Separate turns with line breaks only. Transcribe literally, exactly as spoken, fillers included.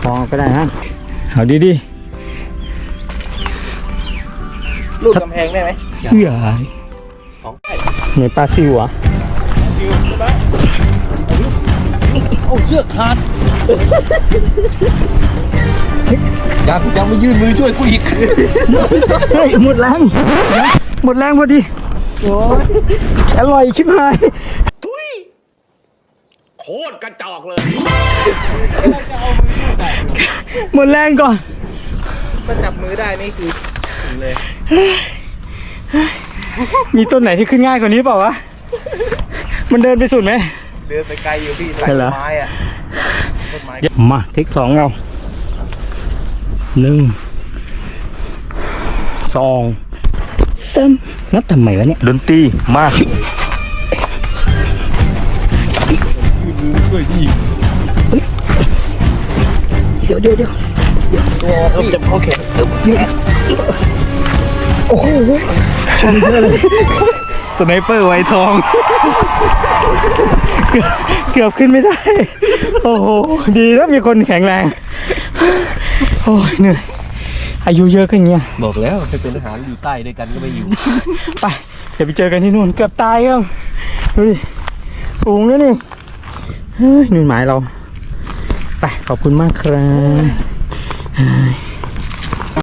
พอก็ได้ฮะเอาดีดี
ลูกกำแพงได้ไหม
เอื้อ
สองได้
เหมือนปลาซิวอ่ะ
ซิวใช่ไหมเอาเชือกขาดยังยังไม่ยื่นมือช่วยกูอีก
เฮ้ยหมดแรงหมดแรงพอดีโอ้ยอร่อยชิบหาย
ทุยโคตรกระจอกเลย
หมดแรงก่อน
ถ้าจับมือได้นี่คือถึงเลย
มีต้นไหนที่ขึ้นง่ายกว่านี้เปล่าวะมันเดินไปสุดไหม
เดินไปไกลอยู่พี่หลายไม้อะต้นไม้
มาเทคสองเราหนึ่งสองสามนับทำไมวะเนี่ย
ดนตรีมาช่วยพี่
เดี๋ยวเดี๋ยวเดี๋ยว
ตัวเริ่มจะโอเค
โอ้โหสไนเปอร์ไวทองเกือบเกือบขึ้นไม่ได้โอ้โหดีแล้วมีคนแข็งแรงโอ้ยเหนื่อยอายุเยอะขึ้นเงี้ย
บอกแล้วไปเป็นทหารอยู่ใต้ด้วยกันก็ไม่อยู่
ไปเดี๋ยวไปเจอกันที่นู่นเกือบตายครับดูดิสูงแล้วนี่เฮ้ยหนุนหมายเราไปขอบคุณมากครับ